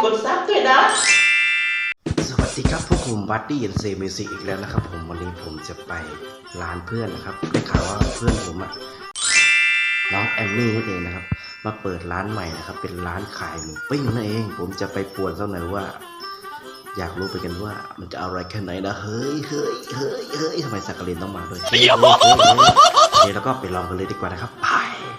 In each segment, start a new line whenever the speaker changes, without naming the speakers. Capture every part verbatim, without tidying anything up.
กดซับด้วยนะ
สวัสดีครับพวกผมบัดดี้เอ็นเซมิซิอีกแล้วนะครับผมวันนี้ผมจะไปร้านเพื่อนนะครับได้ข่าวว่าเพื่อนผมอะน้องแอมมี่นั่นเองนะครับมาเปิดร้านใหม่นะครับเป็นร้านขายหมูปิ้งนั่นเองผมจะไปป่วนเขาหน่อยว่าอยากรู้ไปกันว่ามันจะอร่อยแค่ไหนนะเฮ้ยเฮ้ยเฮ้ยเฮ้ยทำไมสักกะลินต้องมาด้วยเฮ้ยเฮ้ยเฮ้ยเฮ้ยแล้วก็ไปลองกันเลยดีกว่านะครับไป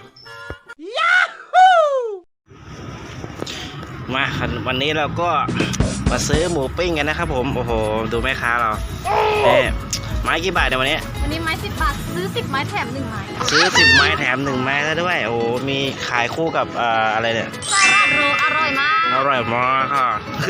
มาวันนี้เราก็มาซื้อหมูปิ้งกันนะครับผมโอ้โหดูแม่ค้าเราเนี่ยไม้กี่บาทเดี๋ยววันนี้
วันนี้ไม้สิบบาทซื้อสิบไม้แถมหนึ่งไม้
ซื้อสิบไม้แถมหนึ่งไม้แล้วด้วยโอ้โหมีขายคู่กับเอ่ออะไรเนี่ย
ซาลาโรอร่อยมาก
อร่อยมากค่ะ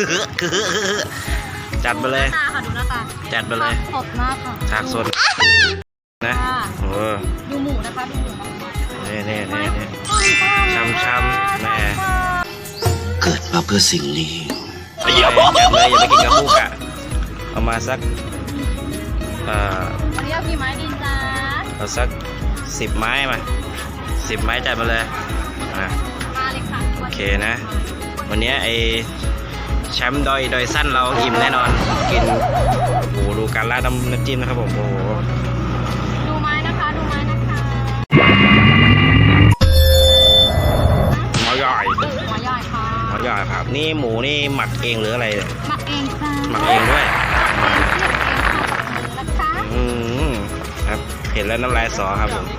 จัดไปเลย
ตาค่ะดูหน้าตา
จัดไปเลย
สดมากค่ะ
ฉากสดนะโอ้
ดูหมูนะคะดูหมู
นี่นี่นี่นี่ช้ำช้ำแม่เกิดมาเพื่อสิ่งนี้อย่าเลยอย่าไปกินกับคู่กะเอามาสักเอ่อ
วันนี้เอากี่ไม้ดีจ้า
เอาสักสิบไม้มาสิบไม้จัดมาเลยนะ
มาเลยค่ะ
โอเคนะวันนี้ไอแชมป์ดอยดอยสั้นเราอิ่มแน่นอนกินโอ้โหดูการราดน้ำน้ำจิ้มนะครับผมโอ้โห
ดูไม้นะคะดูไม้นะคะ
หม้อใหญ่
หม้อใหญ่ค่ะ
หม้อใหญ่ครับนี่หมูนี่หมักเองหรืออะไร
หมักเองจ้า
หมักเองด้วย
นะคะ
อืมครับเห็นแล้วน้ำลายสอครับผม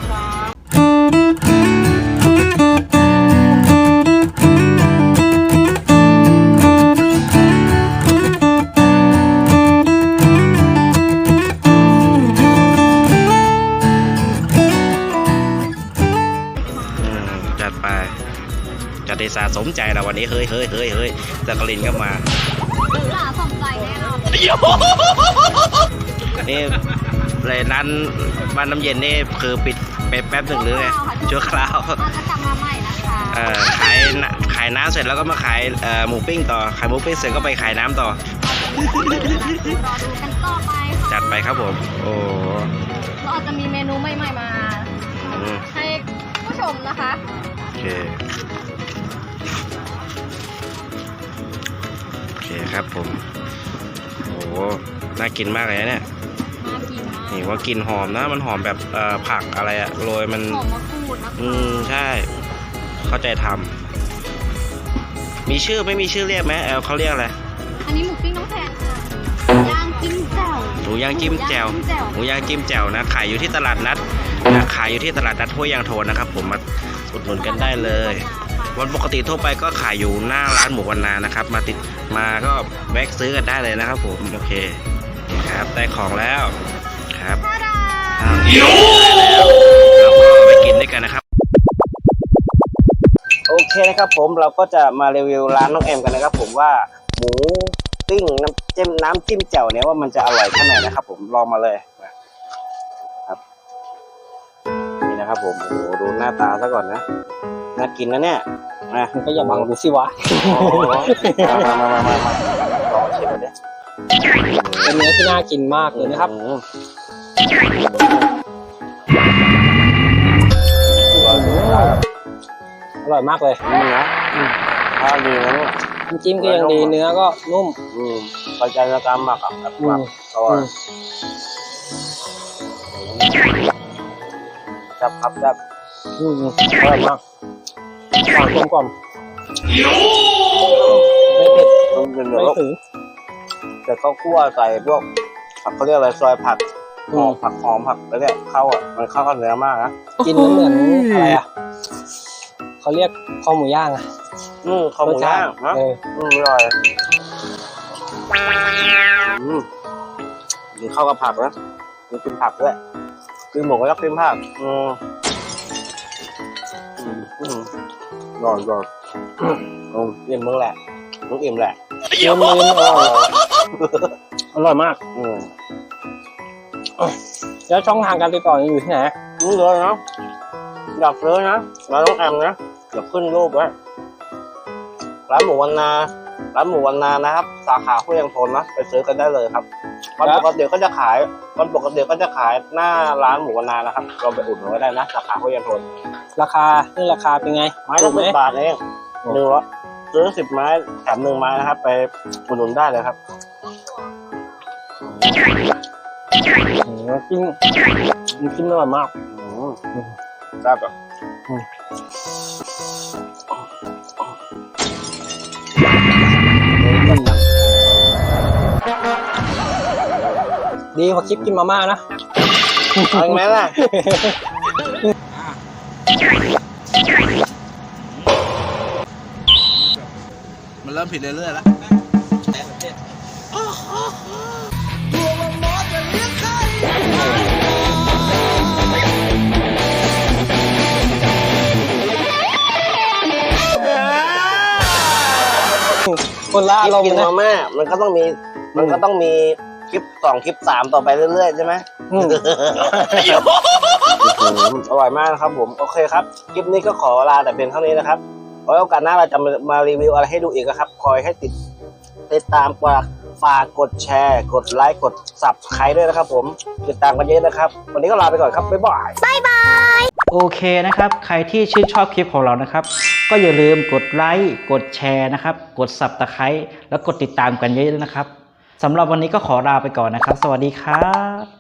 จัดไปจัดได้สะสมใจเราวันนี้เฮ้ยเฮ้ยเฮ้ยเฮ้ยจักรินก็มา
สะสมใจแน่นอน
นี่เลยร้านบ้านน้ำเย็นนี่คือปิดไปแป๊บหนึ่งหรือไงชั่วคราว
จะกลับมาใหม่นะคะ
เอ่อขายขายน้ำเสร็จแล้วก็มาขายเอ่อหมูปิ้งต่อขายหมูปิ้งเสร็จก็ไปขายน้ำต่อ
รอดูกันต่อไป
จัดไปครับผมโอ้
เราอาจจะมีเมนูใหม่ๆมาให้ผู้ชมนะคะ
โอเคโอเคครับผมโอ้น่ากินมากเลยนะเนี่ย
น่ากินมาก
นี่ว่ากลิ่นหอมนะมันหอมแบบเอ่อผักอะไรอะโรยมัน
หอมมะกรูดนะคะ
อืมใช่เข้าใจทำมีชื่อไม่มีชื่อเรียกไหมเออเขาเรียกอะไร
อันนี้หมูปิ้งน้องแพนค่ะย่างจิ้มแจ่ว
หมูย่างจิ้มแจ่วหมูย่างจิ้มแจ่วนะขายอยู่ที่ตลาดนัดนะขายอยู่ที่ตลาดนัดห้วยยางโทนนะครับผมมาอุดหนุนกันได้เลยวันปกติทั่วไปก็ขายอยู่หน้าร้านหมูวันนานะครับมาติดมาก็แวะซื้อกันได้เลยนะครับผมโอเคครับได้ของแล้วครับเราก็ไปกินด้วยกันนะครับโอเคนะครับผมเราก็จะมารีวิวร้านน้องแอมกันนะครับผมว่าหมูปิ้งน้ำจิ้มน้ำจิ้มแจ่วเนี่ยว่ามันจะอร่อยแค่ไหนนะครับผมลองมาเลยครับนี่นะครับผมโอ้โหดูหน้าตาซะก่อนนะน่ากินนะเนี่ยนะ
มันก็อย่าบังดูสิวะ
มามามามามาลองชิมเลย
เป็นเนื้อที่น่ากินมากเลยนะครับอร่อยมากเลย
นี่นะถ้าดีนะเนี่ย
น้ำจิ้มก็ยังดีเนื้อก็นุ่ม
อืมกระจายกรรมหมักแบบหมักอร่อยจับครับจับ
อืมอร่อยมากหวานกลมกล่อมไม่เผ็ดไม่ถึง
แต่เขาคั่วใส่พวกผักเขาเรียกอะไรซอยผักหอมผักหอมผักแล้วเนี่ยเข้าอ่ะมันเข้ากับเนื้อมากนะ
กินเหมือนอะไรอ่ะเขาเรียกคอหมูย่างอ่ะ
อืมคอหมูย่างนะอืมอร่อยอืมมันเข้ากับผักนะมันกินผักด้วยกินหมูก็ต้องกินผักอืมอืมนอนนอนอืมอิ่มมึงแหละมึงอิ่มแหละ
เยี่ยมเลยอร่อยอร่อยมาก
อืม
แล้วช่องทางการติดต่ออยู่ที่ไหน
รู้เลยนะอยากซื้อนะร้านน้องแอมนะเดี๋ยวขึ้นรูปไว้ร้านหมูวันนาร้านหมูวันนานะครับสาขาห้วยยางโทนนะไปซื้อกันได้เลยครับวันปกติก็จะขายวันปกติก็จะขายหน้าร้านหมูวันนานะครับเราไปอุดหนุนก็ได้นะสาขาห้วยยางโทน
ราคาเรื่องราคาเป็นไง
ไม้ละสิบบาทเองหนึ่งร้อยซื้อสิบไม้แถมหนึ่งไม้นะครับ ไปอุดหนุนได้เลยครับ
อืมจิ้มมันจิ้มอร่อยมาก
อืมครับแบบ
ดีกว่าคลิปกินมาม่านะ
เอาอีกไหมล่ะ
มันเริ่มผิดเรื่อยๆแล้ว
คนละ
คลิ
อา
ป
รม
กิน
ณ์นะ
มาม่ามันก็ต้องมี มันก็ต้องมีคลิปสองคลิปสามต่อไปเรื่อยๆใช่ไหม
อืม
อืมอร่อยมากนะครับผม โอเคครับ คลิปนี้ก็ขอลาแต่เพียงเท่านี้นะครับไว้โอกาสหน้าเราจะมามารีวิวอะไรให้ดูอีกนะครับ คอยให้ติดติดตามกว่าฝากกดแชร์ กดไลค์ กดซับสไครต์ด้วยนะครับผม ติดตามกันเยอะนะครับ วันนี้ก็ลาไปก่อนครับ บ๊ายบาย
โอเคนะครับ ใครที่ชื่นชอบคลิปของเรานะครับ ก็อย่าลืมกดไลค์ กดแชร์นะครับ กด ซับสไครบ์ แล้วกดติดตามกันเยอะๆนะครับ สำหรับวันนี้ก็ขอลาไปก่อนนะครับ สวัสดีครับ